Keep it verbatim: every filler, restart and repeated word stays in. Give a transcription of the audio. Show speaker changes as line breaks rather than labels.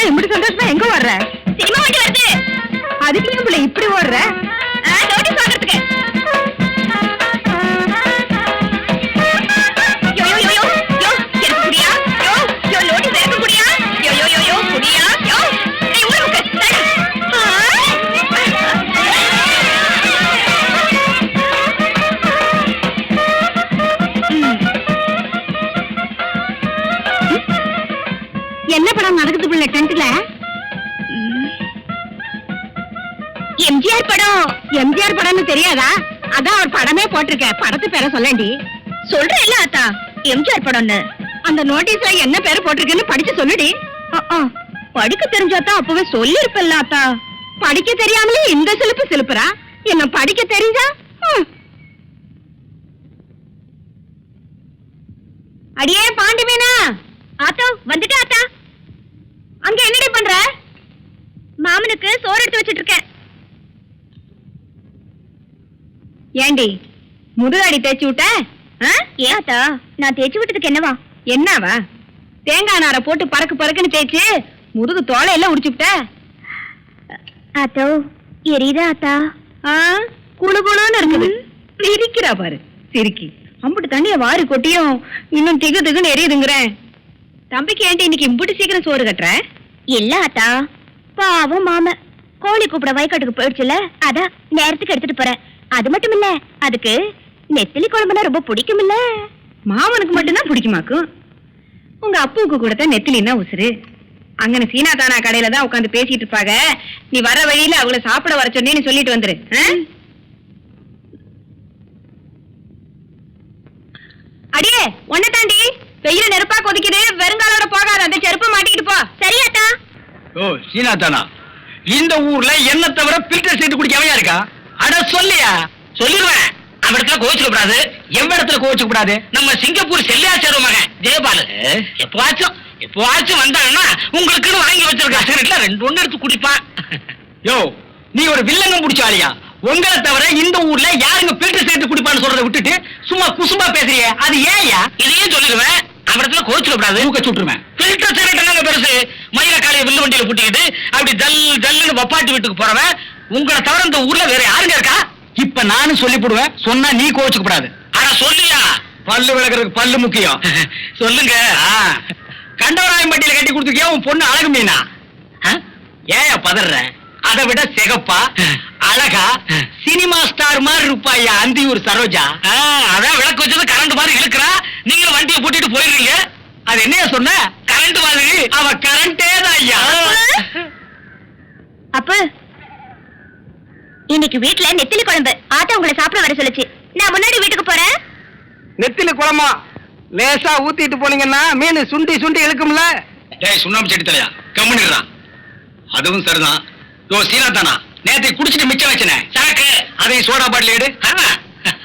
இப்படி சந்தோஷமா எங்க வர்ற?
சினிமா வண்டி வருது.
அதுக்கு ஏன் பிள்ளை இப்படி ஓடுற?
நோட்டீஸ் வாங்குறதுக்கு. யோ யோ யோ யோ எனக்கு புடியா? யோ யோ நோட்டீஸ் எனக்கு புடியா? யோ யோ யோ யோ புடியா? யோ நீ ஊருக்கு தள்ளு.
என்ன படம் நடக்குது பிள்ளை டென்ட்ல?
எம்ஜிஆர் படம்.
எம்ஜிஆர் படம்னு தெரியாதா? அதான் அவர் படமே போட்டிருக்க. படத்து பேரை சொல்லண்டி.
சொல்றேன் இல்ல ஆத்தா, எம்ஜிஆர் படம்னு.
அந்த நோட்டீஸ்ல என்ன பேரு போட்டிருக்குன்னு படிச்சு சொல்லுடி.
படிக்க தெரிஞ்சாதான் அப்பவே சொல்லிருப்பல்ல ஆத்தா.
படிக்க தெரியாமலே இந்த சிலுப்பு சிலுப்புறா. என்ன படிக்க தெரிஞ்சா?
அடியே பாண்டி மீனா. ஆத்தோ வந்துட்டா ஆத்தா. அங்க என்னடி பண்ற? மாமனுக்கு சோறு எடுத்து வச்சிட்டு இருக்கேன்.
ஏண்டி முதுகாடி தேய்ச்சி விட்ட?
ஏன் ஆத்தா, நான் தேய்ச்சி விட்டதுக்கு என்னவா?
என்னவா? தேங்காய் நாரை போட்டு பறக்கு பறக்குன்னு தேய்ச்சி முதுகு தோலை எல்லாம் உடிச்சுட்ட.
ஆத்தோ எரியுதா ஆத்தா?
குழு குழுன்னு இருக்குது. சிரிக்கிறா பாரு சிரிக்கி. அம்புட்டு தண்ணிய வாரி கொட்டியும் இன்னும் திகு திகுன்னு எரியுதுங்கிறேன். தம்பிக்கு ஏன்டி இன்னைக்கு இம்புட்டு சீக்கிரம் சோறு கட்டுற?
இல்ல ஆத்தா, பாவம் மாம கோழி கூப்பிட வயக்காட்டுக்கு போயிடுச்சுல, அதான் நேரத்துக்கு எடுத்துட்டு போறேன். அது மட்டும் இல்ல, அதுக்கு நெத்திலி குழம்புனா ரொம்ப பிடிக்கும் இல்ல.
மாமனுக்கு மட்டும்தான் பிடிக்குமாக்கும். உங்க அப்புவுக்கு கூட தான் நெத்திலின்னா உசுரு. அங்கன சீனா தானா கடையில தான் உட்காந்து பேசிட்டு இருப்பாங்க. நீ வர வழியில அவங்கள சாப்பிட வர சொன்னேன்னு சொல்லிட்டு வந்துரு. அடியே ஒன்ன தாண்டி வெயில நெருப்பா கொதிக்குது. வெறுங்காலோட போகாத, அந்த செருப்பு மாட்டிக்கிட்டு போ.
சரியாத்தா?
ஓ சீனா தானா, இந்த ஊர்ல என்ன தவிர பில்டர் சீட்டு குடிக்கவையா இருக்கா? அட சொல்லியா? சொல்லிடுவேன். அவடத்துல கோவிச்சுக்க கூடாது. எவ்விடத்துல கோவிச்சுக்க கூடாது? நம்ம சிங்கப்பூர் செல்லியாச்சார மகன் ஜெயபாலு எப்பவாச்சும் எப்பவாச்சும் வந்தாங்கன்னா உங்களுக்குன்னு வாங்கி வச்சிருக்க சிகரெட்ல ரெண்டு ஒண்ணு எடுத்து குடிப்பான். யோ நீ ஒரு வில்லங்கம் பிடிச்சாலியா? உங்களை தவிர இந்த ஊர்ல யாருங்க பில்டர் சீட்டு குடிப்பான்னு சொல்றதை விட்டுட்டு சும்மா குசும்பா பேசுறிய, அது ஏயா? இதையும் சொல்லிடுவேன். அவடத்துல கோவிச்சுக்க கூடாது. ஊக்க சுட்டுருவேன். பில்டர் சீரட் என்னங்க பெருசு? மயில காலைய வில்லு வண்டியில புட்டிக்கிட்டு அப்படி ஜல் ஜல்லுன்னு வப்பாட்டி வீட்டுக்கு போறவன் உங்களை தவிர இந்த ஊர்ல வேற யாருங்க இருக்கா? இப்ப நானும் சொல்லி போடுவேன், சொன்னா நீ கோவிச்சுக்க கூடாது. ஆனா சொல்லியா? பல்லு விளக்குறதுக்கு பல்லு முக்கியம். சொல்லுங்க. கண்டவராயம் பட்டியில கட்டி கொடுத்துருக்கியா உன் பொண்ணு அழகு மீனா? ஏன் பதற? அதை விட சிகப்பா அழகா சினிமா ஸ்டார் மாதிரி இருப்பாயா அந்தியூர் சரோஜா. அதான் விளக்கு வச்சது கரண்ட் மாதிரி இழுக்கிறா. நீங்களும் வண்டியை போட்டுட்டு போயிடுறீங்க. அது என்னைய சொன்ன? கரண்ட் மாதிரி. அவ கரண்டே தான் ஐயா.
அப்ப இன்னைக்கு வீட்டுல நெத்திலி குழம்பு. ஆத்தா உங்களை சாப்பிட வர சொல்லுச்சு. நான் முன்னாடி வீட்டுக்கு போறேன்.
நெத்திலி குழம்பா லேசா ஊத்திட்டு போனீங்கன்னா மீன் சுண்டி சுண்டி இழுக்கும்ல.
ஏய் சுண்ணாம்பு செடி தலையா கம்முனிடுறான். அதுவும் சரிதான். யோ சீனா தானா, நேற்று குடிச்சிட்டு மிச்சம் வச்சனே சரக்கு, அதையும் சோடா பாட்டில் எடு.